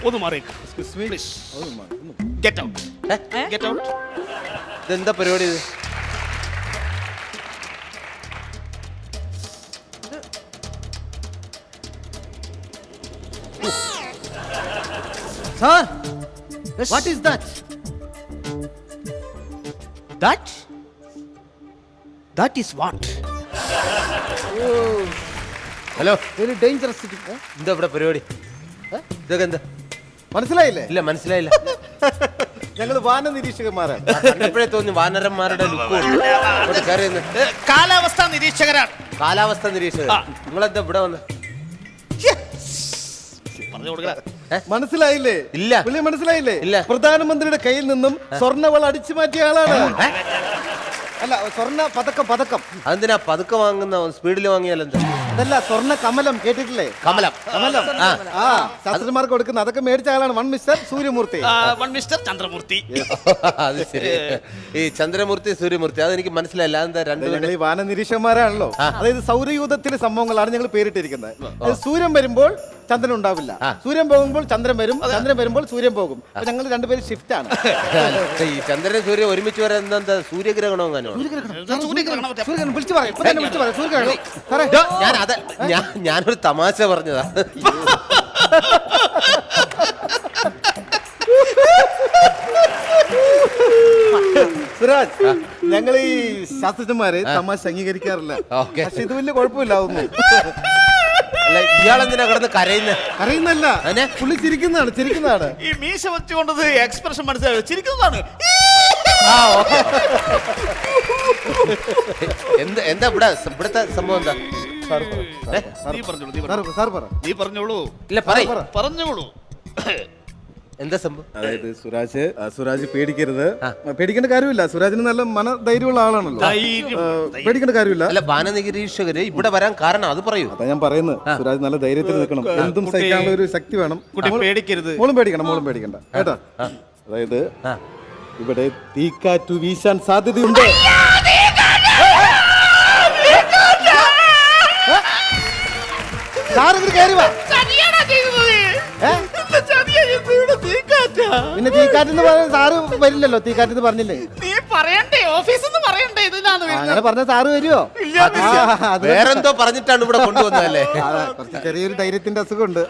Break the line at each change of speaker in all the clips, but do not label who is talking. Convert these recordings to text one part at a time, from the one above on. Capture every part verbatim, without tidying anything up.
ഒന്ന് മാറിയേക്ക്. Please. Get out. Get out.
ഇതെന്താ പരിപാടി ഇത്?
Sir, what is that?
That? That is what?
Hello,
Very dangerous city. Eh?
എന്താ ഇവിടെ പരിപാടി? ഇതൊക്കെ എന്താ?
മനസ്സിലായില്ലേ?
ഇല്ല, മനസ്സിലായില്ല.
ഞങ്ങൾ വാന നിരീക്ഷകന്മാരാണ്.
കണ്ടപ്പോഴേ തോന്നി വാനരന്മാരുടെ ലുക്ക് കയറി നിന്ന്.
ഏ, കാലാവസ്ഥാ നിരീക്ഷകരാണ്.
കാലാവസ്ഥ നിരീക്ഷകർ. നിങ്ങളെന്താ ഇവിടെ വന്ന്?
പറഞ്ഞു കൊടുക്കടാ.
മനസ്സിലായില്ലേ?
ഇല്ല.
പുള്ളി മനസ്സിലായില്ലേ?
ഇല്ല.
പ്രധാനമന്ത്രിയുടെ കയ്യിൽ നിന്നും സ്വർണ്ണവള അടിച്ചു മാറ്റിയ ആളാണ്. അല്ല, സ്വർണ്ണ പതക്കം പതക്കം
അതെന്തിനാ പതുക്കെ വാങ്ങുന്ന സ്പീഡിൽ വാങ്ങിയാലെന്താ?
അതല്ല, സ്വർണ്ണ കമലം കേട്ടിട്ടില്ലേ?
കമലം.
കമലം. ആ ശാസ്ത്രന്മാർക്ക് കൊടുക്കുന്ന അതൊക്കെ മേടിച്ച ആളാണ് വൺ മിസ്റ്റർ സൂര്യമൂർത്തി.
ആ, വൺ മിസ്റ്റർ ചന്ദ്രമൂർത്തി.
അത് ശരി. ഈ ചന്ദ്രമൂർത്തി സൂര്യമൂർത്തി അതെനിക്ക് മനസ്സിലായില്ല. അതെന്താ രണ്ടുപേരും?
ഞങ്ങൾ ഈ വാന നിരീക്ഷകന്മാരാണല്ലോ. അതായത് സൗരയൂഥത്തിലെ സംഭവങ്ങളാണ് ഞങ്ങൾ പേരിട്ടിരിക്കുന്നത്. അതായത് സൂര്യൻ വരുമ്പോൾ ചന്ദ്രൻ ഉണ്ടാവില്ല, സൂര്യൻ പോകുമ്പോൾ ചന്ദ്രൻ വരും, ചന്ദ്രൻ വരുമ്പോൾ സൂര്യൻ പോകും. അപ്പൊ ഞങ്ങൾ രണ്ടുപേരും ഷിഫ്റ്റ് ആണ്.
ഈ ചന്ദ്രൻ സൂര്യൻ ഒരുമിച്ച് വരാൻ എന്താ സൂര്യഗ്രഹണോ അങ്ങനെ?
സൂര്യഗ്രഹണം വിളിച്ചു പറയാം, ഇപ്പൊ തന്നെ വിളിച്ചു പറയാം. സൂര്യഗ്രഹണം സാറേ,
ഞാൻ അതെ ഞാൻ ഞാനൊരു തമാശ പറഞ്ഞതാ.
സുരാജ്, ഞങ്ങൾ ഈ ശാസ്ത്രജ്ഞന്മാര് തമാശ അംഗീകരിക്കാറില്ല.
ഓക്കെ.
പക്ഷെ ഇത് വലിയ കുഴപ്പമില്ല. അതൊന്നും
അല്ല, ഇയാളെന്തിനാ കിടന്ന് കരയുന്ന?
അറിയുന്നല്ല,
അതിനെ?
പുള്ളി ചിരിക്കുന്നതാണ് ചിരിക്കുന്നതാണ്
ഈ മീശ വെച്ചുകൊണ്ടത് എക്സ്പ്രഷൻ മനസ്സിലായോ? ചിരിക്കുന്നതാണ്.
ആ, ഓക്കെ. എന്ത് എന്താ ഇവിടെ ഇവിടുത്തെ സംഭവം എന്താ?
സാർ പറ,
നീ പറഞ്ഞോളൂ, നീ
സാർ
പറഞ്ഞോളൂ.
സാർ പറ.
നീ പറഞ്ഞോളൂ.
ഇല്ല, പറയ്.
പറഞ്ഞോളൂ.
എന്താ സംഭവം?
അതായത് സുരാജ് ആ, സുരാജ് പേടിക്കരുത്. പേടിക്കേണ്ട കാര്യമില്ല. സുരാജിന് നല്ല മനധൈര്യമുള്ള ആളാണല്ലോ.
ധൈര്യം,
ആ, പേടിക്കേണ്ട കാര്യമില്ല.
അല്ല, വാനനിരീക്ഷകര് ഇവിടെ വരാൻ കാരണം അത് പറയൂ.
അതാ ഞാൻ പറയുന്നത്, സുരാജ് നല്ല ധൈര്യത്തിൽ നിൽക്കണം. എന്തും സഹിക്കാനുള്ള ഒരു ശക്തി വേണം.
കുട്ടി പേടിക്കരുത്.
മോളും പേടിക്കണം, മോളും പേടിക്കണ്ട കേട്ടാ. അതായത് ഇവിടെ തീക്കാറ്റു വീശാൻ സാധ്യതയുണ്ട്. സാറിന് കയറി വാ. ഏ? പിന്നെ തീക്കാറ്റെന്ന് പറഞ്ഞ സാറ് വരില്ലല്ലോ. തീക്കാറ്റെന്ന് പറഞ്ഞില്ലേ?
നീ പറയണ്ടേ? ഓഫീസിൽ പറയണ്ടേ? ഇതിനാണ്
ആ, അങ്ങനെ പറഞ്ഞ സാറ് വരുമോ?
വേറെന്തോ പറഞ്ഞിട്ടാണ് ഇവിടെ കൊണ്ടുവന്നതല്ലേ?
കുറച്ച് ചെറിയൊരു ധൈര്യത്തിന്റെ അസുഖമുണ്ട്.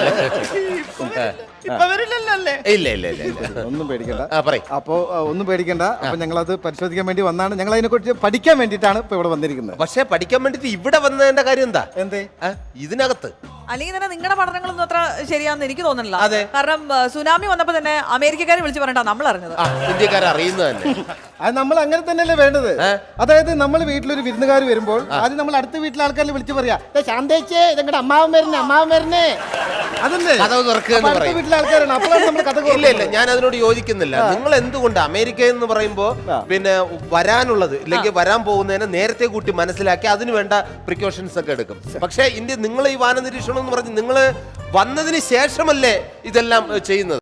ഇപ്പൊ വരില്ലല്ലോ അല്ലേ?
ഇല്ല ഇല്ല ഇല്ല ഇല്ല.
ഒന്നും പേടിക്കണ്ട.
ആ, പറയ്.
അപ്പോ ആ, ഒന്നും പേടിക്കണ്ട. അപ്പൊ ഞങ്ങൾ അത് പരിശോധിക്കാൻ വേണ്ടി വന്നാണ്. ഞങ്ങൾ അതിനെ കുറിച്ച് പഠിക്കാൻ വേണ്ടിയിട്ടാണ് ഇപ്പൊ ഇവിടെ വന്നിരിക്കുന്നത്.
പക്ഷെ പഠിക്കാൻ വേണ്ടിട്ട് ഇവിടെ വന്നതിന്റെ കാര്യം എന്താ?
എന്തേ?
ആ, ഇതിനകത്ത്
അല്ലെങ്കിൽ തന്നെ നിങ്ങളുടെ പഠനങ്ങളൊന്നും അത്ര ശരിയാണെന്ന് എനിക്ക് തോന്നുന്നില്ല.
അതെ.
കാരണം ആ, സുനാമി വന്നപ്പോ തന്നെ അമേരിക്കക്കാരെ വിളിച്ച് പറഞ്ഞിട്ടാ നമ്മൾ അറിഞ്ഞത്.
ആ, ഇന്ത്യക്കാരെ അറിയുന്നത് തന്നെ.
അത് നമ്മൾ അങ്ങനെ തന്നെയല്ലേ വേണ്ടത്. അതായത് നമ്മൾ വീട്ടിലൊരു വിരുന്നുകാർ വരുമ്പോൾ ആദ്യം നമ്മൾ അടുത്ത വീട്ടിലെ ആൾക്കാരെ വിളിച്ച് പറയാ, ശാന്തേച്ചേ ഇതെങ്ങടെ അമ്മാവൻ വരുന്നേ, അമ്മാവൻ വരുന്നേ. അതല്ലേ
കഥവ് തുറക്കുക എന്ന്
അടുത്ത
പറയും.
വീട്ടിലെ ആൾക്കാരാണ്. അപ്പോഴാണ് നമ്മൾ കഥ.
ഇല്ല ഇല്ല, ഞാൻ അതിനോട് യോജിക്കുന്നില്ല. നിങ്ങൾ എന്തുകൊണ്ട് അമേരിക്ക എന്ന് പറയുമ്പോ പിന്നെ വരാനുള്ളത് ഇല്ലെങ്കിൽ വരാൻ പോകുന്നതിനെ നേരത്തെ കൂട്ടി മനസ്സിലാക്കി അതിന് വേണ്ട പ്രിക്കോഷൻസ് ഒക്കെ എടുക്കും. പക്ഷേ ഇന്ത്യ നിങ്ങൾ ഈ വാന നിരീക്ഷണം എന്ന് പറഞ്ഞ് നിങ്ങൾ വന്നതിന് ശേഷമല്ലേ ഇതെല്ലാം ചെയ്യുന്നത്?